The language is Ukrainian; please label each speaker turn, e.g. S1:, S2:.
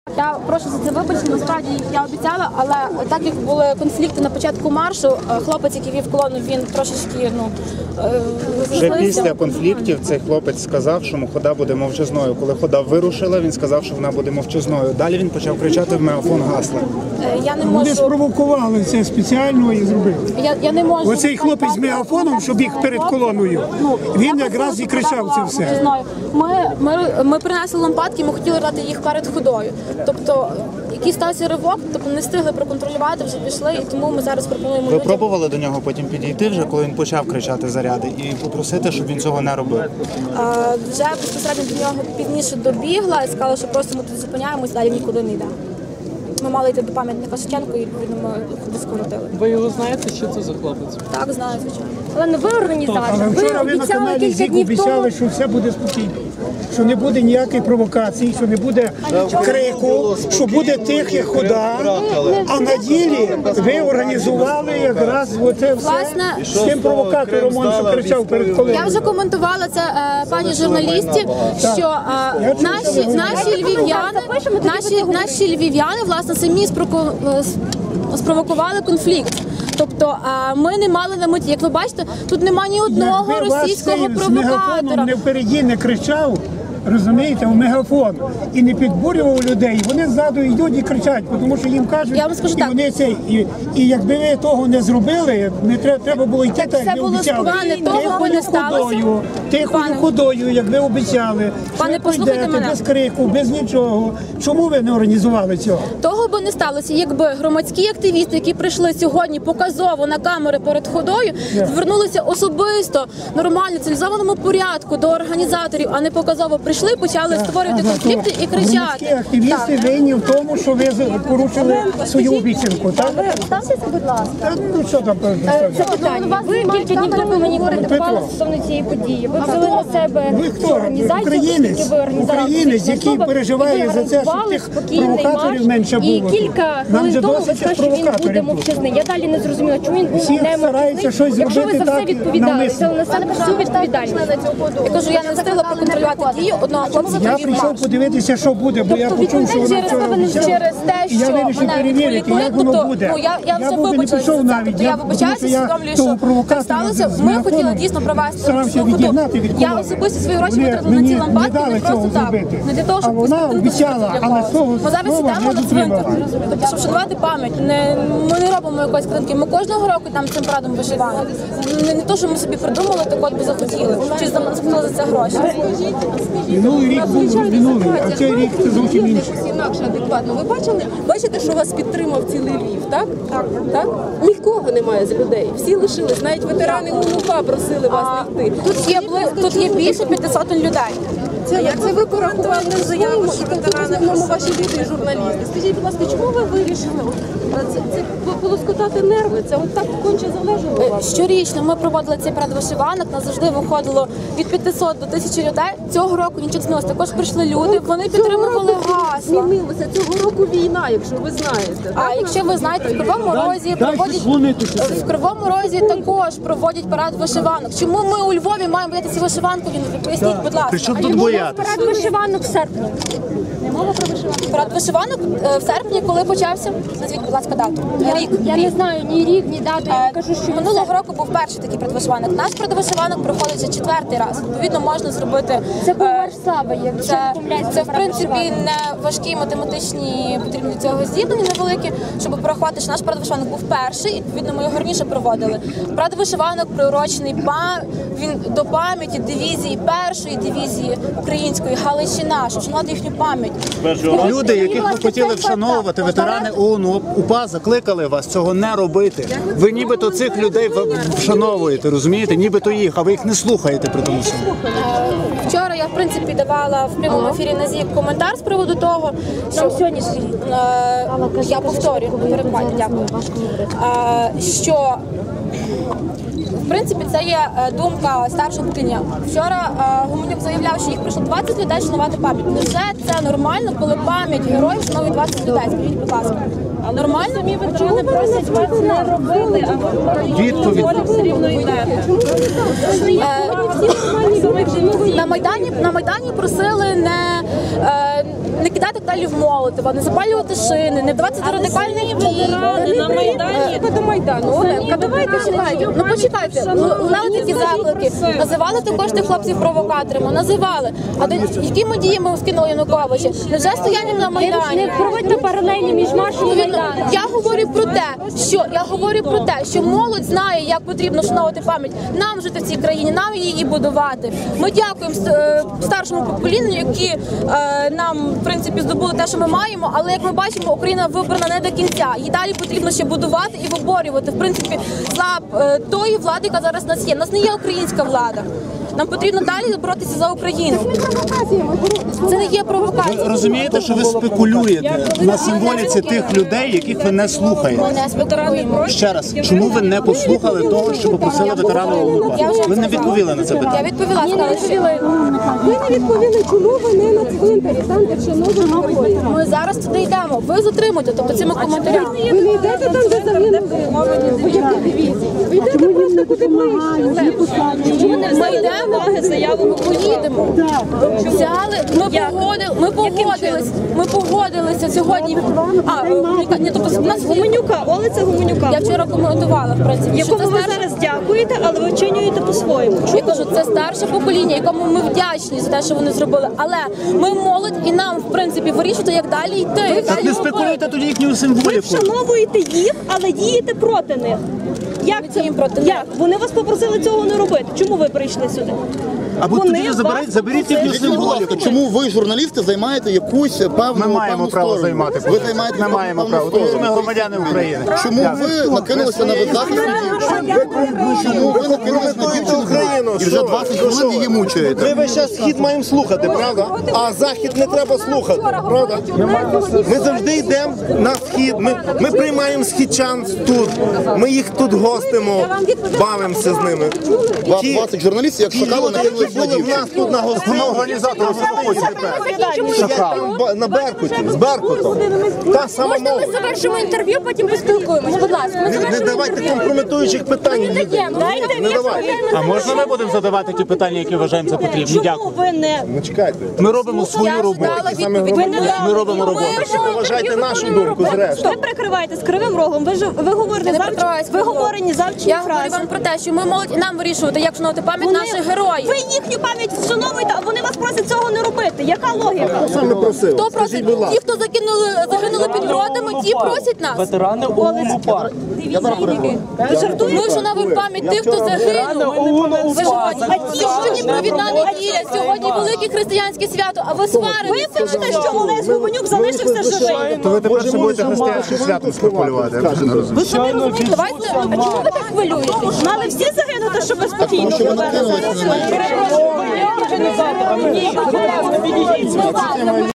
S1: Я прошу за це вибачення, насправді я обіцяла, але так як були конфлікти на початку маршу, хлопець, який вів колону, він трошечки,
S2: Вже після конфліктів цей хлопець сказав, що хода буде мовчазною. Коли хода вирушила, він сказав, що вона буде мовчазною. Далі він почав кричати в мегафон гасла.
S1: Я не можу...
S3: Вони спровокували це спеціально і зробили.
S1: Я не можу...
S3: Оцей хлопець з мегафоном, що біг перед колоною, він якраз і кричав це все.
S1: Ми принесли лампадки, ми хотіли дати їх перед ходою. Тобто, який стався ривок, тобто не встигли проконтролювати, вже пішли, і тому ми зараз пропонуємо
S2: Ви
S1: людям...
S2: пробували до нього потім підійти вже, коли він почав кричати заряди, і попросити, щоб він цього не робив?
S1: Вже безпосередньо до нього пізніше добігла і сказала, що просто ми тут зупиняємось, далі нікуди не йдемо. Ми мали йти до пам'ятника Шевченку і відповідно ми ходи скоротили.
S4: Ви його знаєте, що це за хлопець?
S1: Так, знаю, звичайно.
S5: Але не ви організатор.
S3: Але вчора ви на каналі ЗІК обіцяли, що все буде спокійно. Що не буде ніякої провокації, що не буде крику, що буде тихий хода. А на ділі ви організували якраз оце все з тим провокатором, що кричав перед колоною.
S1: Я вже коментувала це пані журналісті, що наші львів'яни, власне, самі спровокували конфлікт. Тобто ми не мали на меті, як ви бачите, тут немає ні одного російського провокатора.
S3: Не впереді не кричав, розумієте, в мегафон і не підбурював людей. Вони ззаду йдуть і кричать, тому що їм кажуть,
S1: я вам скажу,
S3: і вони це і якби ви того не зробили, не треба було йти так, як ви обіцяли. Тихою ходою, як ви обіцяли.
S1: Пане, послухайте мене.
S3: Без крику, без нічого. Чому ви не організували цього?
S1: Того би не сталося, якби громадські активісти, які прийшли сьогодні показово на камери перед ходою, звернулися особисто, нормально, цивілізованому порядку до організаторів, а не показово прийшли, почали створювати конфлікти і кричати.
S3: Громадські активісти винні в тому, що ви порушили свою обіцянку, так?
S5: Ставтеся, будь ласка.
S3: Ну що там?
S5: Це питання. Ви кілька днів тому мені коментували стосовно цієї події. Ви взяли на себе цю організацію, оскільки ви організатор.
S3: Українець, який переживає за це, щоб тих провокаторів менше було.
S5: І кілька хвилин тому ви сказали, що він буде мовчазний. Я далі не зрозуміла, чому він був не мовчазний, якщо ви за все відповідали, взяли на себе всю відповідальність.
S1: Я кажу, я не встигла проконтролювати дії одного хлопця.
S3: Я прийшов подивитися, що буде, бо я почув, що вона вчора обіцяла. І я вирішив перевірити, як воно буде.
S1: Я вже вибачилася за це. Тобто я вибачаюся, усвідомлюю, що так сталося. Ми хотіли дійсно провести суходу. Я особисто свої гроші витратила на ці лампадки, не просто так. Не для того, щоб ми зараз йдемо на цвинтар, тобто, щоб шанувати пам'ять. Ми не робимо якоїсь картинки. Ми кожного року там цим парадом вишиваємо. Не то, що ми собі придумали, так от би захотіли. Чи заплатили за це гроші.
S3: Минулий рік був минулий, а цей рік це зовсім інше.
S6: Інакше адекватно. Ви бачите, що вас підтримав цілий Львів, так? Так? Нікого немає з людей. Всі лишились. Навіть ветерани УНУПА просили вас не йти.
S1: Тут є більше 500 людей.
S6: Як це ви порахували заяву, що ветерани, ваші люди і журналісти? Скажіть, будь ласка, чому ви вирішили? Це полоскотати нерви, це от так конче залежало вас?
S1: Щорічно ми проводили цей парад вишиванок, нас завжди виходило від 500 до 1000 людей. Цього року нічого не змінилося. Також прийшли люди, вони підтримували гасла.
S6: Змінилося. Цього року війна, якщо ви знаєте.
S1: А якщо ви знаєте, в Кривому Розі також проводять парад вишиванок. Чому ми у Львові маємо боятися вишиванку? Поясніть, будь ласка.
S2: Причому тут боятися?
S5: Парад вишиванок в серпні.
S1: Не мова про вишиванку. Парад вишиванок в серпні, коли почався? Назвіть, будь ласка, дату. Рік.
S5: Я не знаю ні рік, ні дату. Я кажу, що
S1: минулого року був перший такий парад вишиванок. Наш парад вишиванок проходить вже 4-й раз. Відповідно, можна зробити.
S5: це був марш слави, якщо не помиляюся.
S1: Це в принципі не важкі математичні потрібні до цього здібнення невеликі, щоб порахувати, що наш парад вишиванок був перший, і відповідно ми його раніше проводили. Парад вишиванок приурочений він до пам'яті дивізії, першої дивізії української Галичина, щоб вшанувати їхню пам'ять.
S2: Люди, яких ви хотіли вшановувати, ветерани ООН, УПА, закликали вас цього не робити. Ви нібито цих людей вшановуєте, розумієте? Нібито їх, а ви їх не слухаєте при тому всьому.
S1: Вчора я, в принципі, давала в прямому ефірі на ЗІК коментар з приводу того, що сьогодні я повторюю, дякую, що в принципі, це є думка старшого покоління. Вчора Гуменюк заявляв, що їх прийшло 20 людей шанувати пам'ять. Невже це нормально, коли пам'ять героїв шанує 20 людей? Скажіть, будь ласка. А нормально?
S5: Самі ветерани просять вас не робили, а ви
S2: Відповідь.
S5: все рівно йдете.
S1: На Майдані просили не кидати далі в Молотова, не запалювати шини, не вдаватися до радикальних дій.
S6: На Майдані до Майдану. Оленка, давайте чекайте.
S1: Ну почекайте, лунали такі заклики, називали також тих хлопців провокаторами, називали. А якими діями скинули Януковича? Невже стоянням на Майдані?
S5: Не проводьте паралельні між маршем і Майданом.
S1: Я говорю про те, що молодь знає, як потрібно вшановувати пам'ять, нам жити в цій країні, нам її будувати. Ми дякуємо старшому поколінню, які нам в принципі здобули те, що ми маємо. Але як ми бачимо, Україна вибрана не до кінця. Її далі потрібно ще будувати і виборювати. В принципі, за тої влади, яка зараз у нас є. У нас не є українська влада. Нам потрібно далі боротися за Україну. Це не є провокація.
S2: Ви розумієте, що ви спекулюєте на символіці тих людей, яких ви не слухаєте?
S1: Ми не спекулюємо.
S2: Ще раз, чому ви не послухали того, що попросили ветерани ОУН? Ви не відповіли на це
S1: Я
S2: питання.
S1: відповіла, сказала, що
S6: Ви не відповіли, чому ви не на цвинтарі, там, де вшановують героїв.
S1: ми зараз туди йдемо. Ви затримуєте, тобто цими коментарями.
S6: Ви не йдете там, де загинули вояки дивізії. Ви йдете просто куди ближче.
S1: Ми йдемо, ми поїдемо. Ми погодилися сьогодні. Тобто нас
S7: Гуменюка, Олеся Гуменюка,
S1: я вчора коментувала, в принципі, що
S7: якому
S1: це
S7: ви
S1: старше.
S7: зараз дякуєте, але ви вчинюєте по-своєму.
S1: Я кажу, це старше покоління, якому ми вдячні за те, що вони зробили. Але ми молодь і нам, в принципі, вирішувати, як далі йти.
S2: Так не спекулюйте тоді їхню
S7: Ви
S2: символіку.
S7: вшановуєте їх, але дієте проти них. Як це?
S1: Діємо проти них.
S7: Як? Вони вас попросили цього не робити. Чому ви прийшли сюди?
S2: Або
S7: Вони
S2: тоді
S7: вас
S2: заберіть їхню
S8: Скажіть, будь ласка,
S2: символіку.
S8: чому ви, журналісти, займаєте якусь певну
S2: Ми маємо право
S8: сторону?
S2: займати.
S8: Ви займаєте
S2: Ми маємо
S8: певну
S2: право, тому що ми
S8: сторону.
S2: громадяни України.
S8: Чому ви накинулися на беззахисну дівчину? Чому ви накинулися на дівчину і вже 20 хвилин її
S9: Ми
S8: мучаєте?
S9: весь час схід маємо слухати, правда? А захід не треба слухати, правда? Ми завжди йдемо на схід, ми приймаємо східчан тут, ми їх тут гостимо, бавимося з ними.
S8: 20 журналістів, як шакали,
S9: Люди, які
S8: накинулися на
S9: були в нас
S8: дівчину.
S9: тут на гостині,
S2: Організатори
S9: на Беркуті, з Беркутом. Та сама
S5: Можна
S9: мова.
S5: ми завершимо інтерв'ю, потім поспілкуємось, будь ласка.
S9: Не давайте компрометуючих питань.
S7: Дайте
S9: Не давайте.
S2: А можна ми будемо задавати ті питання, які вважаємо за потрібні?
S7: Чому
S2: Дякую.
S7: ви не
S9: Ну чекайте.
S2: Ми робимо свою роботу. Ми робимо роботу.
S9: Ви вважаєте нашу думку зрештою.
S7: ви прикриваєтесь кривим рогом? Ви говорите виговорені завчені
S1: Я говорю
S7: фрази.
S1: вам про те, що ми молодь і нам вирішувати, як вшановувати пам'ять наших героїв.
S7: Ви їхню пам'ять вшановуєте, а вони вас просять цього не робити. Яка логіка?
S9: Саме просив.
S1: Хто просить? Ті, хто загинули під бродами, ті просять нас.
S4: Ветерани ОУН УПА.
S7: Ви жартуєте?
S1: Ми вшановуємо пам'ять тих, хто загинув. Ви сьогодні провідна неділя, сьогодні велике християнське свято, а ви
S7: Ви
S1: сваритеся на
S7: пишете, що
S1: цьому.
S7: Олесь Гуменюк залишився живий.
S2: То ви тепер ще будете християнським святом спекулювати. Я вже не розумію.
S7: Ви самі розумієте?
S1: Давайте, а чому ви так хвилюєтесь?
S7: Мали всі загинути, щоб ви спокійно
S8: Тому що ви
S7: були.
S8: накинулися на неї.
S4: Організатор, а ми, будь ласка, відійдіть.